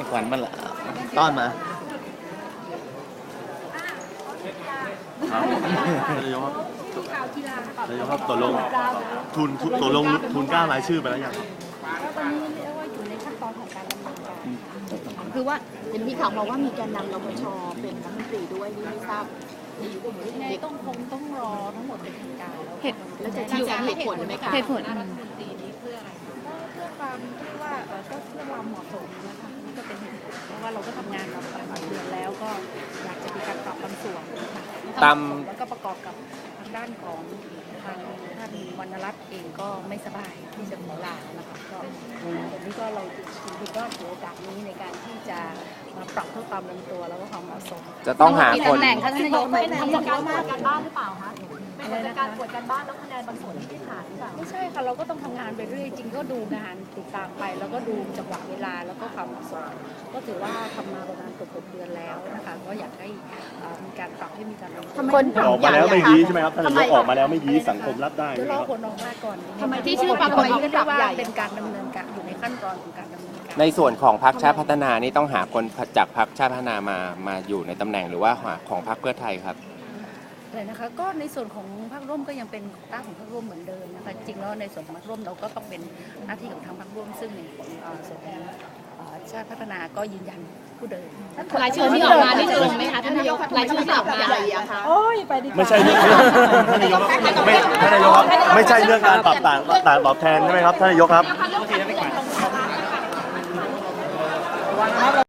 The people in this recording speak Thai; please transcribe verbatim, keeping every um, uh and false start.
ขวัญมันละต้อนมาครับนายกครับนายกครับตกลงทุนตกลงทุนกล้ารายชื่อไปแล้วยังครับตอนนี้เรียกว่าอยู่ในขั้นตอนของการดำเนินการคือว่าเห็นมีข่าวมาว่ามีแกนนำรปชเป็นรัฐมนตรีด้วยนี่ไม่ทราบยังไงต้องคงต้องรอทั้งหมดเป็นทางการแล้วเหตุแล้วจะชี้แจงเหตุผลไหมคะเหตุผลรัฐมนตรีนี้เพื่ออะไรก็เพื่อความที่ว่าเออก็เพื่อความเหมาะสมนะคะนี่ก็เป็นเหตุผลเพราะว่าเราก็ทำงานมาหลายเดือนแล้วก็อยากจะมีการปรับบางส่วนนะคะตามแล้วก็ประกอบกับทางด้านของทางท่านวรรณรัตน์เองก็ไม่สบายที่จะขอลานะคะก็วันนี้ก็เราถือว่าถือโอกาสนี้ในการที่จะมาปรับเพื่อความลงตัวแล้วก็ความเหมาะสมจะต้องหาคนตำแหน่งท่านนายกทำจากการตรวจการบ้านหรือเปล่าคะเป็นจากการตรวจการบ้านแล้วคะแนนบางส่วนที่ขาดหรือเปล่าไม่ใช่ค่ะเราก็ต้องทำงานไปเรื่อยจริงก็ดูงานติดตามไปแล้วก็ดูจังหวะเวลาแล้วก็ความเหมาะสมก็ถือว่าทำมาประมาณเกือบหกเดือนแล้วนะคะก็อยากให้มีการปรับให้มีการลงทุนคนออกมาแล้วไม่ยี้ใช่ไหมครับท่านนายกออกมาแล้วไม่ยี้สังคมรับได้เดี๋ยวรอผลออกมาก่อนทำไมที่ชื่อปรากฏที่ว่าเป็นการดำเนินการอยู่ในขั้นตอนของการดำเนินการในส่วนของพรรคชาติพัฒนานี่ต้องหาคนจากพรรคชาติพัฒนามามาอยู่ในตำแหน่งหรือว่าหาของพรรคเพื่อไทยครับเลยนะคะก็ในส่วนของพรรคร่วมก็ยังเป็นตั้งของพรรคร่วมเหมือนเดิมนะคะจริงแล้วในส่วนของพรรคร่วมเราก็ต้องเป็นหน้าที่ของทางพรรคร่วมซึ่งในส่วนของชาติพัฒนาก็ยืนยันผู้เดิมรายชื่อที่ออกมานี่จะลงไหมคะท่านนายกรายชื่อที่ออกมาใหญ่อะคะโอ้ยไปดีไม่ใช่เรื่องท่านนายกไม่ท่านนายกครับไม่ใช่เรื่องการปรับต่างต่างตอบแทนใช่ไหมครับท่านนายกครับ